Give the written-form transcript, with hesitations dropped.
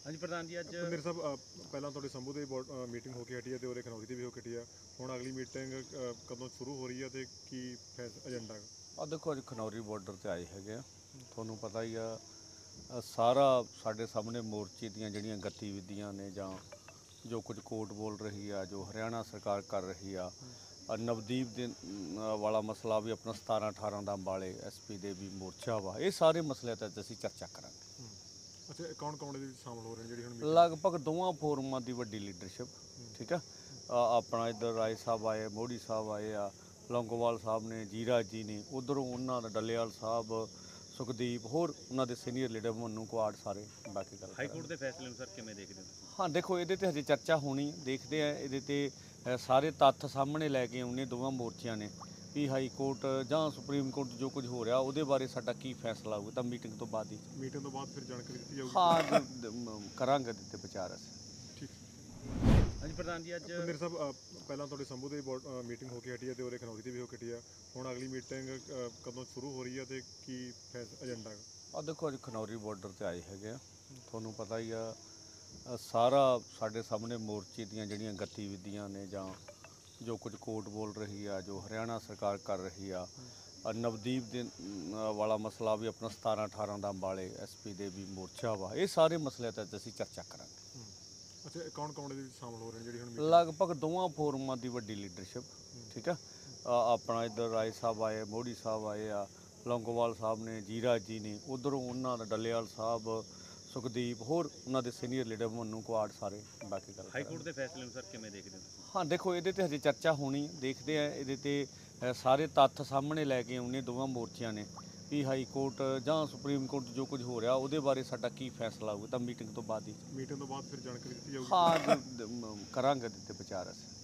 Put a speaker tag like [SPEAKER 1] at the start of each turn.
[SPEAKER 1] ਹਾਂਜੀ ਪ੍ਰਧਾਨ ਜੀ, ਅੱਜ
[SPEAKER 2] ਮੇਰੇ ਸਾਹਿਬ ਪਹਿਲਾਂ ਤੁਹਾਡੇ ਸੰਭੂ ਦੇ ਮੀਟਿੰਗ ਹੋ ਕੇ ਹਟੀ ਹੈ ਤੇ ਉਹਦੇ ਖਨੌਰੀ ਦੀ ਵੀ ਹੋ ਕੇ ਹਟੀ ਹੈ। ਹੁਣ ਅਗਲੀ ਮੀਟਿੰਗ ਕਦੋਂ ਸ਼ੁਰੂ ਹੋ ਰਹੀ ਹੈ ਤੇ ਕੀ ਏਜੰਡਾ ਹੈ?
[SPEAKER 3] ਆ ਦੇਖੋ ਅੱਜ ਖਨੌਰੀ ਬਾਰਡਰ ਤੇ ਆਏ ਹੈਗੇ ਆ। ਤੁਹਾਨੂੰ ਪਤਾ ਹੀ ਆ, ਸਾਰਾ ਸਾਡੇ ਸਾਹਮਣੇ ਮੋਰਚੇ ਦੀਆਂ ਜਿਹੜੀਆਂ ਗਤੀਵਿਧੀਆਂ ਨੇ ਜਾਂ ਜੋ ਕੁਝ ਕੋਰਟ ਬੋਲ ਰਹੀ ਆ, ਜੋ ਹਰਿਆਣਾ ਸਰਕਾਰ ਕਰ ਰਹੀ ਆ, ਨਵਦੀਪ ਦੇ ਵਾਲਾ ਮਸਲਾ ਵੀ ਆਪਣਾ 17-18 ਦਾ ਅੰਬਾਲੇ SP ਦੇ ਵੀ ਮੋਰਚਾ ਵਾ, ਇਹ ਸਾਰੇ ਮਸਲੇ ਤੇ ਅਸੀਂ ਚਰਚਾ ਕਰਾਂਗੇ।
[SPEAKER 2] ਅੱਛਾ, ਕੌਣ ਕੌਣ ਇਹਦੇ ਵਿੱਚ ਸ਼ਾਮਲ ਹੋ ਰਹੇ ਨੇ ਜਿਹੜੀ ਹੁਣ meeting?
[SPEAKER 3] ਲਗਭਗ ਦੋਵਾਂ ਫੋਰਮਾਂ ਦੀ ਵੱਡੀ ਲੀਡਰਸ਼ਿਪ, ਠੀਕ ਆ। ਆਪਣਾ ਇੱਧਰ ਰਾਏ ਸਾਹਿਬ ਆਏ, ਮੋੜੀ ਸਾਹਿਬ ਆਏ ਆ, ਲੌਂਗੋਵਾਲ ਸਾਹਿਬ ਨੇ, ਜੀਰਾ ਜੀ ਨੇ, ਉਧਰੋਂ ਉਹਨਾਂ ਦਾ ਡੱਲੇਵਾਲ ਸਾਹਿਬ, ਸੁਖਦੀਪ, ਹੋਰ ਉਹਨਾਂ ਦੇ ਸੀਨੀਅਰ ਲੀਡਰ ਮਨੂੰ ਕੁਆੜ, ਸਾਰੇ ਬਾਕੀ ਗੱਲ
[SPEAKER 1] ਹਾਈ ਕੋਰਟ ਦੇ ਫੈਸਲੇ ਨੂੰ ਸਰ ਕਿਵੇਂ ਦੇਖਦੇ ਹੋ ਤੁਸੀਂ?
[SPEAKER 3] ਹਾਂ ਦੇਖੋ, ਇਹਦੇ ਤੇ ਹਜੇ ਚਰਚਾ ਹੋਣੀ, ਦੇਖਦੇ ਆ ਇਹਦੇ ਤੇ ਸਾਰੇ ਤੱਥ ਸਾਹਮਣੇ ਲੈ ਕੇ ਆਉਣੇ ਦੋਵਾਂ ਮੋਰਚਿਆਂ ਨੇ ਵੀ ਹਾਈ ਕੋਰਟ ਜਾਂ ਸੁਪਰੀਮ ਕੋਰਟ ਜੋ ਕੁਝ ਹੋ ਰਿਹਾ ਉਹਦੇ ਬਾਰੇ ਸਾਡਾ ਕੀ ਫੈਸਲਾ ਹੋਊਗਾ, ਤਾਂ ਮੀਟਿੰਗ ਤੋਂ ਬਾਅਦ ਹੀ।
[SPEAKER 2] ਮੀਟਿੰਗ ਤੋਂ ਬਾਅਦ ਫਿਰ ਜਾਣਕਾਰੀ ਦਿੱਤੀ ਜਾਊਗੀ।
[SPEAKER 3] ਹਾਂ ਕਰਾਂਗੇ ਦਿੱਤੇ ਵਿਚਾਰ ਅਸੀਂ।
[SPEAKER 2] ਠੀਕ।
[SPEAKER 1] ਹਾਂਜੀ ਪ੍ਰਧਾਨ ਜੀ, ਅੱਜ
[SPEAKER 2] ਮੇਰੇ ਸਾਹਿਬ ਪਹਿਲਾਂ ਤੁਹਾਡੇ ਸੰਭੂ ਦੇ ਮੀਟਿੰਗ ਹੋ ਕੇ ਹਟੀ ਹੈ ਤੇ ਉਹਦੇ ਖਨੌਰੀ ਦੀ ਵੀ ਹੋ ਕੇ ਹਟੀ ਹੈ। ਹੁਣ ਅਗਲੀ ਮੀਟਿੰਗ ਕਦੋਂ ਸ਼ੁਰੂ ਹੋ ਰਹੀ ਹੈ ਤੇ ਕੀ ਏਜੰਡਾ ਹੈ?
[SPEAKER 3] ਆ ਦੇਖੋ ਅੱਜ ਖਨੌਰੀ ਬਾਰਡਰ ਤੇ ਆਏ ਹੈਗੇ ਆ। ਤੁਹਾਨੂੰ ਪਤਾ ਹੀ ਆ, ਸਾਰਾ ਸਾਡੇ ਸਾਹਮਣੇ ਮੋਰਚੇ ਦੀਆਂ ਜਿਹੜੀਆਂ ਗਤੀਵਿਧੀਆਂ ਨੇ ਜਾਂ ਜੋ ਕੁਝ ਕੋਰਟ ਬੋਲ ਰਹੀ ਆ, ਜੋ ਹਰਿਆਣਾ ਸਰਕਾਰ ਕਰ ਰਹੀ ਆ, ਨਵਦੀਪ ਦੇ ਵਾਲਾ ਮਸਲਾ ਵੀ ਆਪਣਾ 17-18 ਦਾ ਅੰਬਾਲੇ SP ਦੇ ਵੀ ਮੋਰਚਾ ਵਾ, ਇਹ ਸਾਰੇ ਮਸਲੇ ਤੇ ਅਸੀਂ ਚਰਚਾ ਕਰਾਂਗੇ।
[SPEAKER 2] ਅੱਛਾ, ਕੌਣ ਕੌਣ ਇਹਦੇ ਵਿੱਚ ਸ਼ਾਮਲ ਹੋ ਰਹੇ ਨੇ ਜਿਹੜੀ ਹੁਣ meeting?
[SPEAKER 3] ਲਗਭਗ ਦੋਵਾਂ ਫੋਰਮਾਂ ਦੀ ਵੱਡੀ ਲੀਡਰਸ਼ਿਪ, ਠੀਕ ਆ। ਆਪਣਾ ਇੱਧਰ ਰਾਏ ਸਾਹਿਬ ਆਏ, ਮੋੜੀ ਸਾਹਿਬ ਆਏ ਆ, ਲੌਂਗੋਵਾਲ ਸਾਹਿਬ ਨੇ, ਜੀਰਾ ਜੀ ਨੇ, ਉਧਰੋਂ ਉਹਨਾਂ ਦਾ ਡੱਲੇਵਾਲ ਸਾਹਿਬ, ਸੁਖਦੀਪ, ਹੋਰ ਉਹਨਾਂ ਦੇ ਸੀਨੀਅਰ ਲੀਡਰ ਮਨੂੰ ਕੁਆੜ, ਸਾਰੇ ਬਾਕੀ ਗੱਲ
[SPEAKER 1] ਹਾਈ ਕੋਰਟ ਦੇ ਫੈਸਲੇ ਨੂੰ ਸਰ ਕਿਵੇਂ ਦੇਖਦੇ ਹੋ ਤੁਸੀਂ?
[SPEAKER 3] ਹਾਂ ਦੇਖੋ, ਇਹਦੇ ਤੇ ਹਜੇ ਚਰਚਾ ਹੋਣੀ, ਦੇਖਦੇ ਆ ਇਹਦੇ ਤੇ ਸਾਰੇ ਤੱਥ ਸਾਹਮਣੇ ਲੈ ਕੇ ਆਉਣੇ ਦੋਵਾਂ ਮੋਰਚਿਆਂ ਨੇ ਵੀ ਹਾਈ ਕੋਰਟ ਜਾਂ ਸੁਪਰੀਮ ਕੋਰਟ ਜੋ ਕੁਝ ਹੋ ਰਿਹਾ ਉਹਦੇ ਬਾਰੇ ਸਾਡਾ ਕੀ ਫੈਸਲਾ ਹੋਊਗਾ, ਤਾਂ ਮੀਟਿੰਗ ਤੋਂ ਬਾਅਦ ਹੀ।
[SPEAKER 2] ਮੀਟਿੰਗ ਤੋਂ ਬਾਅਦ ਫਿਰ ਜਾਣਕਾਰੀ ਦਿੱਤੀ ਜਾਊਗੀ।
[SPEAKER 3] ਹਾਂ ਕਰਾਂਗੇ ਦਿੱਤੇ ਵਿਚਾਰ ਅਸੀਂ।